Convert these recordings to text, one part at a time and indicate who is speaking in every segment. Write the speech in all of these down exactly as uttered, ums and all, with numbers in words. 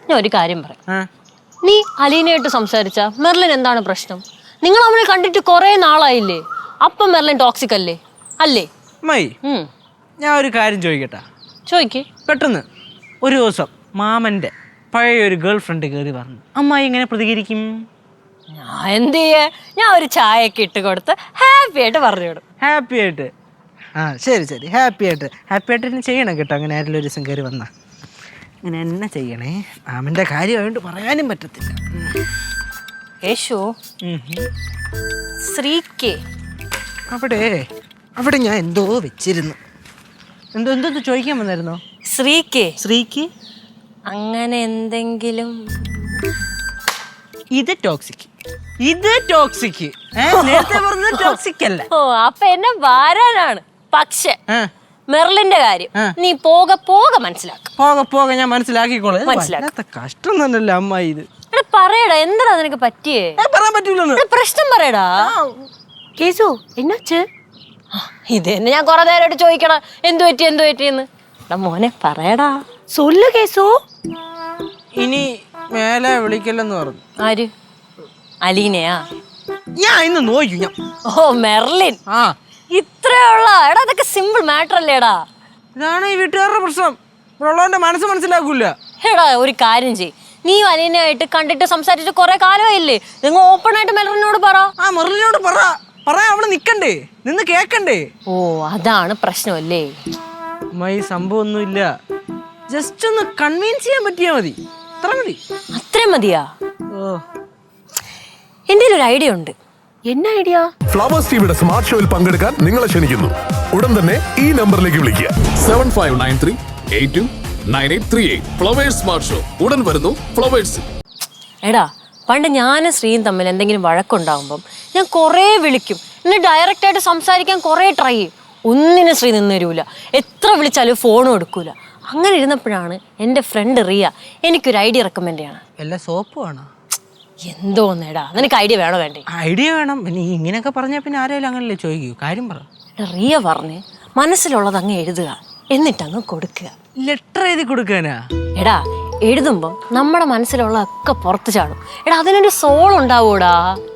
Speaker 1: ഞാൻ ഒരു കാര്യം പറയാം. നീ അലീനയായിട്ട് സംസാരിച്ച മെർലിൻ എന്താണ് പ്രശ്നം? നിങ്ങൾ നമ്മളെ കണ്ടിട്ട് കുറെ നാളായില്ലേ? അപ്പം മെർലിൻ ടോക്സിക് അല്ലേ? അല്ലേ?
Speaker 2: ഞാൻ ഒരു കാര്യം ചോദിക്കട്ടെ?
Speaker 1: ചോദിക്കേ.
Speaker 2: പെട്ടെന്ന് ഒരു ദിവസം മാമന്റെ പഴയ ഒരു ഗേൾ ഫ്രണ്ട് കയറി പറഞ്ഞു, അമ്മായി ഇങ്ങനെ പ്രതികരിക്കും?
Speaker 1: ഞാൻ എന്ത് ചെയ്യേ? ഞാൻ ഒരു ചായയൊക്കെ ഇട്ട് കൊടുത്ത് ഹാപ്പി ആയിട്ട് പറഞ്ഞു വിടും.
Speaker 2: ഹാപ്പി ആയിട്ട്? ആ ശരി ശരി, ഹാപ്പി ആയിട്ട് ഹാപ്പി ആയിട്ട് തന്നെ ചെയ്യണം കേട്ടോ. അങ്ങനെ ആരെങ്കിലും ഒരു ദിവസം കയറി വന്നാ അങ്ങനെ എന്നെ ചെയ്യണേ. മാമന്റെ കാര്യമായോണ്ട് പറയാനും പറ്റത്തില്ല.
Speaker 1: യേശു ശ്രീക്ക്
Speaker 2: അവിടെ അവിടെ ഞാൻ എന്തോ വെച്ചിരുന്നു. എന്തോ എന്തോ ചോദിക്കാൻ വന്നായിരുന്നോ?
Speaker 1: ശ്രീക്ക്
Speaker 2: ശ്രീക്ക്
Speaker 1: അങ്ങനെ എന്തെങ്കിലും?
Speaker 2: ഇത് ടോക്സിക്, ഇത് ടോക്സിക്. നേരത്തെ പറഞ്ഞത് ടോക്സിക് അല്ല.
Speaker 1: ഓ അപ്പൊ എന്നെ വാരാനാണ്. പക്ഷെ മെർലിന്റെ കാര്യം നീ പോക പോക മനസ്സിലാക്ക.
Speaker 2: പോക പോക ഞാൻ മനസ്സിലാക്കിക്കോളാം.
Speaker 1: മനസ്സിലാക്ക.
Speaker 2: കഷ്ടം തന്നെയല്ലേ അമ്മായി ഇത്.
Speaker 1: പറയടാ, എന്താ നിനക്ക് പറ്റിയേ?
Speaker 2: പറയാൻ പറ്റൂല.
Speaker 1: പ്രശ്നം പറയടാ. കേസു എന്നാച്ച്? ഇത് തന്നെ ഞാൻ കൊറേ നേരമായിട്ട് ചോദിക്കണം, എന്തു പറ്റി എന്തു പറ്റിയെന്ന്. മോനെ പറയടാ. സൊല്ലു കേസു.
Speaker 2: ഇനി മേലെ വിളിക്കല്ലെന്ന് പറഞ്ഞു.
Speaker 1: ആര്? അലീനയാ?
Speaker 2: ഞാൻ ഇന്ന് നോക്കൂ ഞാൻ.
Speaker 1: ഓ മെർലിൻ.
Speaker 2: ആ
Speaker 1: ഇത്രയുള്ള എടാ, അതൊക്കെ സിമ്പിൾ മാറ്റർ അല്ലേടാ.
Speaker 2: ഇതാണ് ഈ വീട്ടുകാരുടെ പ്രശ്നം. ഉള്ളവന്റെ മനസ്സ് മനസ്സിലാക്കൂല.
Speaker 1: എടാ ഒരു കാര്യം ചെയ്, നീ അലീനയായിട്ട് കണ്ടിട്ട് സംസാരിച്ചിട്ട് കുറെ കാലമായില്ലേ? നിങ്ങൾ ഓപ്പൺ ആയിട്ട് മെർലിനോട് പറ.
Speaker 2: ആ മെർലിനോട് പറ. പറയാ അവള് നിക്കണ്ടേ, നിന്ന് കേക്കണ്ടേ?
Speaker 1: ഓ അതാണ് പ്രശ്നമല്ലേ?
Speaker 2: അമ്മായി സംഭവം ഒന്നുമില്ല, ജസ്റ്റ് ഒന്ന് കൺവിൻസ് ചെയ്യാൻ പറ്റിയാ മതി. അത്ര മതി.
Speaker 1: അത്രയും മതിയാ?
Speaker 2: ഓ
Speaker 1: എന്റെ ഒരു ഐഡിയ ഉണ്ട്. എന്നാ ഐഡിയ?
Speaker 3: ഫ്ലവേഴ്സ് ടിവിയുടെ സ്മാർട്ട് ഷോയിൽ പങ്കെടുക്കാൻ നിങ്ങളെ ക്ഷണിക്കുന്നു. ഉടൻ തന്നെ ഈ നമ്പറിലേക്ക് വിളിക്കുക.
Speaker 4: Seven five nine three eight two nine eight three eight. Flowers smart show ഉടൻ വരുന്നു ഫ്ലവേഴ്സ്.
Speaker 1: എടാ പണ്ട് ഞാനും ശ്രീയും തമ്മിൽ എന്തെങ്കിലും വഴക്കുണ്ടാകുമ്പം ഞാൻ കുറേ വിളിക്കും, എന്നെ ഡയറക്റ്റ് ആയിട്ട് സംസാരിക്കാൻ കുറേ ട്രൈ ചെയ്യും. ഒന്നിനും ശ്രീ നിന്ന് തരൂല, എത്ര വിളിച്ചാലും ഫോണും എടുക്കൂല. അങ്ങനെ ഇരുന്നപ്പോഴാണ് എൻ്റെ ഫ്രണ്ട് റിയ എനിക്കൊരു ഐഡിയ റെക്കമെൻഡ് ചെയ്യണം.
Speaker 2: എല്ലാ സോപ്പ് വേണോ?
Speaker 1: എന്തോന്നേടാ, നിനക്ക് ഐഡിയ വേണോ വേണ്ടേ?
Speaker 2: ഐഡിയ വേണം. പിന്നെ ഇങ്ങനെയൊക്കെ പറഞ്ഞാൽ പിന്നെ ആരെങ്കിലും അങ്ങനല്ലേ ചോദിക്കൂ. കാര്യം പറ.
Speaker 1: റിയ പറഞ്ഞ് മനസ്സിലുള്ളത് അങ്ങ് എഴുതുക, എന്നിട്ടങ്ങ് കൊടുക്കുക.
Speaker 2: ലെറ്റർ എഴുതി കൊടുക്കാനാ?
Speaker 1: എടാ എഴുതുമ്പം നമ്മുടെ മനസ്സിലുള്ളതൊക്കെ പുറത്ത് ചാടും. എടാ അതിനൊരു സോൾ ഉണ്ടാവൂടാ.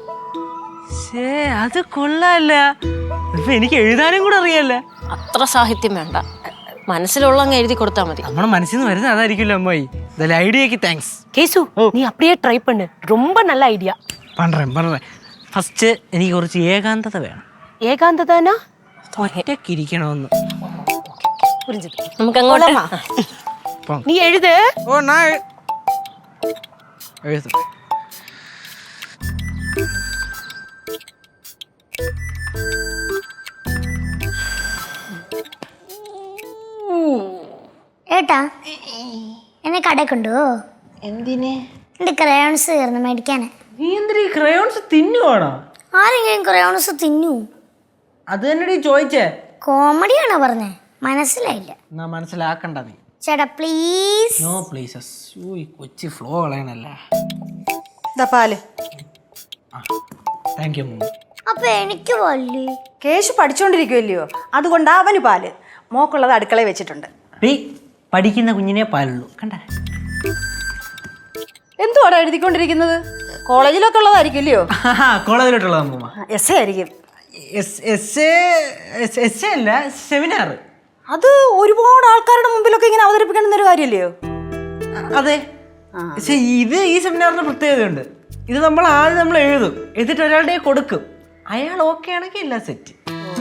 Speaker 2: അത് കൊള്ളാല്ല. ഇപ്പൊ എനിക്ക് എഴുതാനും കൂടെ അറിയാല്ല.
Speaker 1: അത്ര സാഹിത്യം വേണ്ട, മനസ്സിലുള്ള അങ്ങ് എഴുതി കൊടുത്താൽ മതി.
Speaker 2: നമ്മുടെ മനസ്സിൽ നിന്ന് വരുന്നത് അതായിരിക്കുമല്ലോ അമ്മായി. ഐഡിയക്ക് താങ്ക്സ്.
Speaker 5: കേസു നീ அப்படியே ட்ரை பண்ணு, ரொம்ப நல்ல ஐடியா.
Speaker 2: പണ്ടേ പണ്ടേ ഫസ്റ്റ് എനിക്ക് കുറച്ച് ഏകാന്തത വേണം.
Speaker 5: ഏകാന്തതനാ?
Speaker 2: ഒറ്റയ്ക്ക് ഇരിക്കണമെന്ന്.
Speaker 1: നമുക്ക് അങ്ങോട്ട്
Speaker 5: നീ എഴുത്.
Speaker 2: ഓ നാ എഴുതു.
Speaker 6: ഏട്ടാ എന്നെ കടയിൽ കൊണ്ടുപോ.
Speaker 2: എന്തിനെ?
Speaker 6: എൻ്റെ ക്രയോൺസ് തീർന്നു മേടിക്കാന്.
Speaker 2: നീ എന്തിനാ ഈ ക്രയോൺസ് തിന്നുവാണോ?
Speaker 6: ആരെങ്കിലും ക്രയോൺസ് തിന്നു?
Speaker 2: അത് തന്നെ ചോദിച്ചേ.
Speaker 6: കോമഡിയാണോ പറഞ്ഞേ? മനസ്സിലായില്ല.
Speaker 2: എന്നാ മനസ്സിലാക്കണ്ട നീ.
Speaker 6: ചേട്ടാ പ്ലീസ്.
Speaker 2: No pleases. ഈ കൊച്ചി ഫ്ലോ കളയണല്ലേ.
Speaker 7: പാല്.
Speaker 2: Thank you.
Speaker 6: അപ്പൊ എനിക്ക് പാല്?
Speaker 7: കേശു പഠിച്ചോണ്ടിരിക്കുമല്ലയോ, അതുകൊണ്ട് അവന് പാല്. മോക്കുള്ളത് അടുക്കളയിൽ വെച്ചിട്ടുണ്ട്.
Speaker 2: പഠിക്കുന്ന കുഞ്ഞിനെ പാലുള്ളൂ കണ്ട.
Speaker 7: എന്തുവാടാ എഴുതിക്കൊണ്ടിരിക്കുന്നത്? കോളേജിലൊക്കെ ഉള്ളതായിരിക്കും ഇല്ലയോ?
Speaker 2: കോളേജിലോട്ടുള്ളത് അമ്മൂമ്മ.
Speaker 7: എസ് എ ആയിരിക്കും.
Speaker 2: എസ് എ അല്ല, സെമിനാർ.
Speaker 7: അത് ഒരുപാട് ആൾക്കാരുടെ മുമ്പിലൊക്കെ ഇങ്ങനെ അവതരിപ്പിക്കണം എന്നൊരു കാര്യമല്ലയോ?
Speaker 2: അതെ. പക്ഷെ ഇത് ഈ സെമിനാറിന് പ്രത്യേകതയുണ്ട്. ഇത് നമ്മൾ ആദ്യം നമ്മൾ എഴുതും, എന്നിട്ട് ഒരാളുടെ കൊടുക്കും. അയാൾ ഓക്കെ ആണെങ്കിൽ എല്ലാം സെറ്റ്.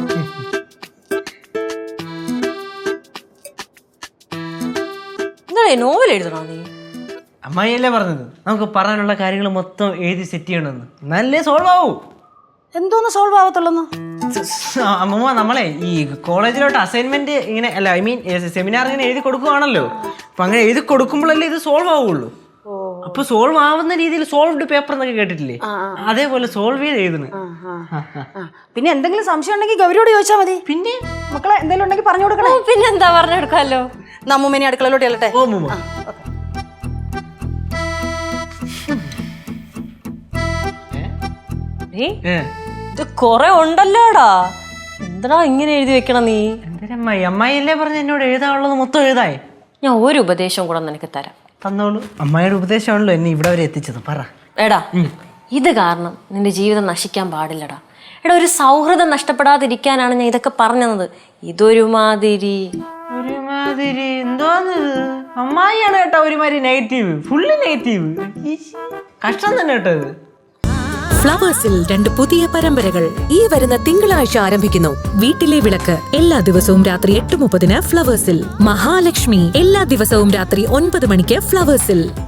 Speaker 1: നോവൽ എഴുതണോ നീ?
Speaker 2: അമ്മായിയല്ലേ പറഞ്ഞത് നമുക്ക് പറയാനുള്ള കാര്യങ്ങൾ മൊത്തം എഴുതി സെറ്റ് ചെയ്യണമെന്ന്. നല്ലേ സോൾവ് ആവൂ.
Speaker 7: എന്തോന്ന് സോൾവ് ആവത്തുള്ളൂ?
Speaker 2: അമ്മൂമ്മ നമ്മളെ ഈ കോളേജിലോട്ട് അസൈൻമെന്റ് ഇങ്ങനെ അല്ല ഐ മീൻ സെമിനാർ ഇങ്ങനെ എഴുതി കൊടുക്കുവാണല്ലോ. അപ്പൊ അങ്ങനെ എഴുതി കൊടുക്കുമ്പോഴല്ലേ ഇത് സോൾവ് ആവുള്ളൂ. അപ്പൊ സോൾവ് ആവുന്ന രീതിയിൽ സോൾവ്ഡ് പേപ്പർ എന്നൊക്കെ കേട്ടിട്ടില്ലേ, അതേപോലെ സോൾവ് ചെയ്ത് എഴുതണം.
Speaker 7: പിന്നെ എന്തെങ്കിലും സംശയം ഉണ്ടെങ്കിൽ ഗൗരിയോട് ചോദിച്ചാൽ മതി.
Speaker 2: പിന്നെ
Speaker 7: മക്കളെ എന്തെങ്കിലും ഉണ്ടെങ്കിൽ പറഞ്ഞു കൊടുക്കണേ.
Speaker 1: പിന്നെന്താ പറഞ്ഞെടുക്കാമല്ലോ.
Speaker 7: നമ്മൂമ്മേനെ അടുക്കളയിലോട്ട് ചെല്ലട്ടെ.
Speaker 2: ഓ മൂമ്മ.
Speaker 1: ഇത് കൊറേ ഉണ്ടല്ലോടാ, എന്താ ഇങ്ങനെ എഴുതി വെക്കണം നീ?
Speaker 2: എന്തിനമ്മായി? അമ്മായി അല്ലേ പറഞ്ഞ എന്നോട് എഴുതാനുള്ളത് മൊത്തം എഴുതായി.
Speaker 1: ഞാൻ ഒരു ഉപദേശം കൂടെ നിനക്ക് തരാം.
Speaker 2: തന്നോളൂ. അമ്മായിയുടെ ഉപദേശമാണല്ലോ എന്നെ ഇവിടെ വരെ എത്തിച്ചത്. പറ.
Speaker 1: എടാ ഇത് കാരണം നിന്റെ ജീവിതം നശിക്കാൻ പാടില്ലടാ. എടാ ഒരു സൗഹൃദം നഷ്ടപ്പെടാതിരിക്കാനാണ് ഞാൻ ഇതൊക്കെ പറഞ്ഞത്. ഇതൊരുമാതിരി
Speaker 2: ഒരുമാതിരി എന്തോന്ന് അമ്മായിയാണ് കേട്ടോ ഒരുമാതിരി നെഗറ്റീവ്, ഫുള്ള് നെഗറ്റീവ്. കഷ്ടം തന്നെ കേട്ടോ ഇത്.
Speaker 8: ഫ്ലവേഴ്സിൽ രണ്ട് പുതിയ പരമ്പരകൾ ഈ വരുന്ന തിങ്കളാഴ്ച ആരംഭിക്കുന്നു. വീട്ടിലെ വിളക്ക് എല്ലാ ദിവസവും രാത്രി എട്ട് മുപ്പതിന് ഫ്ലവേഴ്സിൽ. മഹാലക്ഷ്മി എല്ലാ ദിവസവും രാത്രി ഒൻപത് മണിക്ക് ഫ്ലവേഴ്സിൽ.